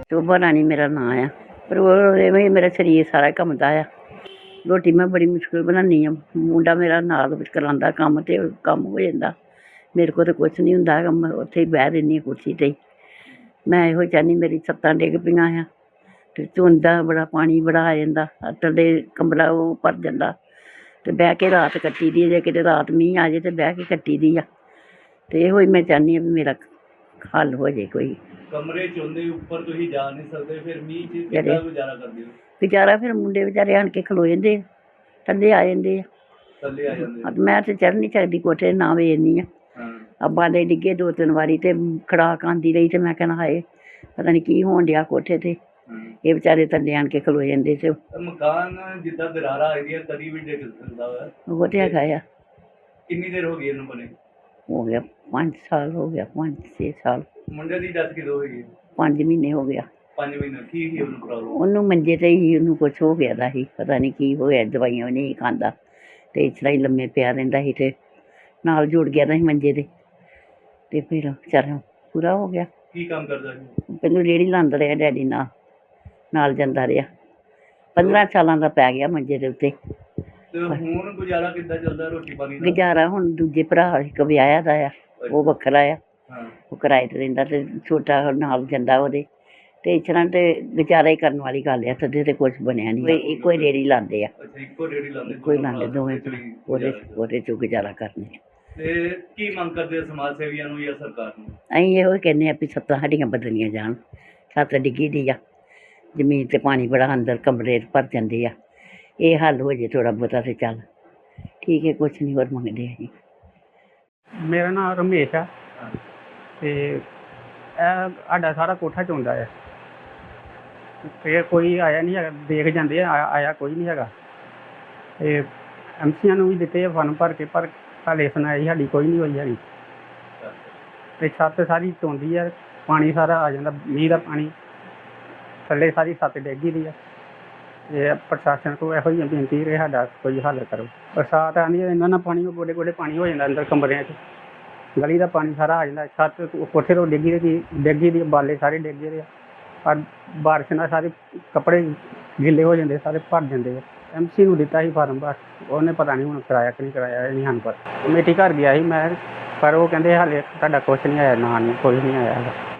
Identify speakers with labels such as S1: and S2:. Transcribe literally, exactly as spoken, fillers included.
S1: शोभा रानी मेरा नां आ। पर ओह् इवें ही मेरा शरीर सारा कंबदा आ। रोटी मैं बड़ी मुश्कल बनानी आं। मुंडा मेरा नाल करांदा कम्म ते कम्म हो जांदा। मेरे कोल ते कुछ निं हुंदा हैगा, मैं उत्थे ही बैठ रैह्नी आं कुर्सी ते ही। मैं एहो चाह्न्नी मेरी छत्तां डिग्ग पेइयां आ ते धुंदा बड़ा पानी बड़ा आ जांदा, थल्ले कमरा ओह् भर जांदा ते बैह् के रात कट्टी दी ऐ। जे किते रात मींह् आ जाए ते बैह् के कट्टी दी आ। ते एहो ही मैं चाह्न्नी आं भी मेरा हल हो जाए कोई।
S2: कमरे च होंदे उप्पर तुसीं जा नहीं सकदे, फिर मींह च किद्दां गुजारा करदे हो?
S1: गुजारा फिर मुंडे बेचारे आन के खलो जंदे आ, थल्ले आ जंदे आ।
S2: थल्ले आ जांदे?
S1: मैं ते चढ़ निं सकदी कोठे ते ना वेखनी आं।
S2: हाँ।
S1: बाले डिग्गे दो तिन्न बारी ते खड़ाक आंदी रही ते मैं कहना हाय पता नहीं की होन डेआ कोठे ते। एह् बेचारे थल्ले आन के खलो जंदे ते
S2: मकान जिद्दां दरारां आई दियां कदी भी डिग्ग सकदा वा।
S1: ओह् ते हैगा आ।
S2: किन्नी देर हो गई इहनूं बने?
S1: हो गया पंज साल हो गया, पंज छे साल।
S2: मुंडे दी डेथ कदों होई?
S1: पंज महीने हो गया।
S2: पंज महीने की ही ਉਹਨੂੰ ਪ੍ਰੋਬਲਮ?
S1: ਉਹਨੂੰ ਮੰਜੇ ਤੇ ਹੀ ਉਹਨੂੰ ਕੁਛ ਹੋ ਗਿਆ ਦਾ ਸੀ, ਪਤਾ ਨਹੀਂ ਕੀ ਹੋਇਆ, ਦਵਾਈਆਂ ਵੀ ਨਹੀਂ ਖਾਂਦਾ ਤੇ ਇਸ ਤਰ੍ਹਾਂ ਹੀ ਲੰਮੇ ਪਿਆ ਰਹਿੰਦਾ ਸੀ ਤੇ ਨਾਲ ਜੁੜ ਗਿਆ ਦਾ ਸੀ ਮੰਜੇ ਤੇ ਤੇ ਫਿਰ ਵਿਚਾਰਾ ਪੂਰਾ ਹੋ ਗਿਆ।
S2: ਕੀ ਕੰਮ ਕਰਦਾ ਸੀ?
S1: ਪਹਿਲਾਂ ਰੇਹੜੀ ਲਾਉਂਦਾ ਰਿਹਾ ਡੈਡੀ ਨਾਲ ਨਾਲ ਜਾਂਦਾ ਰਿਹਾ। ਪੰਦਰਾਂ ਸਾਲਾਂ ਦਾ ਪੈ ਗਿਆ ਮੰਜੇ ਦੇ ਉੱਤੇ।
S2: ਤੇ ਹੁਣ ਗੁਜ਼ਾਰਾ ਕਿੱਦਾਂ ਚੱਲਦਾ ਰੋਟੀ ਪਾਣੀ ਦਾ?
S1: ਗੁਜ਼ਾਰਾ ਹੁਣ ਦੂਜੇ ਭਰਾ ਇੱਕ ਵਿਆਹਿਆ ਦਾ ਆ, ਉਹ ਵੱਖਰਾ ਆ,
S2: ਹਾਂ।
S1: ਉਹ ਕਿਰਾਏ ਤੇ ਰਹਿੰਦਾ ਤੇ ਛੋਟਾ ਨਾਲ ਜਾਂਦਾ ਉਹਦੇ ਤੇ ਇਸ ਤਰ੍ਹਾਂ ਤੇ ਗੁਜ਼ਾਰਾ ਹੀ ਕਰਨ ਵਾਲੀ ਗੱਲ ਆ। ਸਦੇ ਤੇ ਕੁਛ ਬਣਿਆ ਨਹੀਂ, ਇੱਕੋ ਹੀ ਰੇਹੜੀ ਲਾਉਂਦੇ ਆ।
S2: ਅੱਛਾ, ਇੱਕੋ ਰੇਹੜੀ ਲਾਉਂਦੇ?
S1: ਇੱਕੋ ਹੀ ਲਾਉਂਦੇ ਦੋਵੇਂ ਭਰਾ, ਉਹਦੇ ਉਹਦੇ 'ਚੋਂ ਗੁਜ਼ਾਰਾ ਕਰਨੇ ਆ।
S2: ਤੇ ਕੀ ਮੰਗ ਕਰਦੇ ਸਮਾਜ ਸੇਵੀਆਂ ਨੂੰ ਜਾਂ ਸਰਕਾਰ ਨੂੰ?
S1: ਅਸੀਂ ਇਹੋ ਹੀ ਕਹਿੰਦੇ ਹਾਂ ਵੀ ਛੱਤਾਂ ਸਾਡੀਆਂ ਬਦਲੀਆਂ ਜਾਣ। ਛੱਤ ਡਿੱਗੀ ਦੀ ਆ, ਜ਼ਮੀਨ 'ਤੇ ਪਾਣੀ ਬੜਾ ਅੰਦਰ ਕਮਰੇ ਭਰ ਜਾਂਦੇ ਆ। ਇਹ ਹੱਲ ਹੋ ਜੇ ਥੋੜ੍ਹਾ ਬਹੁਤਾ ਤੇ ਚੱਲ ਠੀਕ ਹੈ, ਕੁਛ ਨਹੀਂ ਹੋਰ ਮੰਗਦੇ ਅਸੀਂ।
S3: ਮੇਰਾ ਨਾਮ ਰਮੇਸ਼ ਆ ਤੇ ਇਹ ਸਾਡਾ ਸਾਰਾ ਕੋਠਾ ਚੋਂਦਾ ਹੈ ਤੇ ਕੋਈ ਆਇਆ ਨਹੀਂ ਹੈਗਾ, ਦੇਖ ਜਾਂਦੇ ਆ, ਆਇਆ ਕੋਈ ਨਹੀਂ ਹੈਗਾ। ਤੇ ਐਮਸੀਆਂ ਨੂੰ ਵੀ ਦਿੱਤੇ ਆ ਫਾਰਮ ਭਰ ਕੇ, ਪਰ ਹਾਲੇ ਸੁਣਾਈ ਸਾਡੀ ਕੋਈ ਨਹੀਂ ਹੋਈ ਹੈਗੀ। ਤੇ ਛੱਤ ਸਾਰੀ ਚੋਂਦੀ ਆ, ਪਾਣੀ ਸਾਰਾ ਆ ਜਾਂਦਾ, ਮੀਂਹ ਦਾ ਪਾਣੀ ਥੱਲੇ ਸਾਰੀ ਛੱਤ ਡਿੱਗੀ ਦੀ ਆ। ਇਹ ਪ੍ਰਸ਼ਾਸਨ ਕੋਲ ਇਹੋ ਜਿਹੀ ਬੇਨਤੀ ਕਿ ਸਾਡਾ ਕੋਈ ਹੱਲ ਕਰੋ। ਬਰਸਾਤ ਆਉਂਦੀ ਹੈ ਇਹਨਾਂ ਨਾਲ ਪਾਣੀ ਗੋਡੇ ਗੋਡੇ ਪਾਣੀ ਹੋ ਜਾਂਦਾ ਅੰਦਰ ਕਮਰਿਆਂ 'ਚ, ਗਲੀ ਦਾ ਪਾਣੀ ਸਾਰਾ ਆ ਜਾਂਦਾ। ਛੱਤ ਕੋਠੇ ਤੋਂ ਡਿੱਗੀ ਦੀ ਡਿੱਗੀ ਦੀ ਬਾਲੇ ਸਾਰੇ ਡਿੱਗੇ ਦੇ ਆ, ਪਰ ਬਾਰਿਸ਼ ਨਾਲ ਸਾਰੇ ਕੱਪੜੇ ਗਿੱਲੇ ਹੋ ਜਾਂਦੇ, ਸਾਰੇ ਭਰ ਜਾਂਦੇ ਆ। ਐਮ ਸੀ ਨੂੰ ਦਿੱਤਾ ਸੀ ਫਾਰਮ, ਬਸ ਉਹਨੇ ਪਤਾ ਨਹੀਂ ਹੁਣ ਕਰਾਇਆ ਕਿ ਨਹੀਂ ਕਰਾਇਆ, ਇਹ ਨਹੀਂ ਸਾਨੂੰ ਪਤਾ। ਕਮੇਟੀ ਘਰ ਗਿਆ ਸੀ ਮੈਂ, ਪਰ ਉਹ ਕਹਿੰਦੇ ਹਾਲੇ ਤੁਹਾਡਾ ਕੁਛ ਨਹੀਂ ਆਇਆ, ਨਾ ਨਹੀਂ ਕੋਈ ਨਹੀਂ ਆਇਆ ਹੈਗਾ।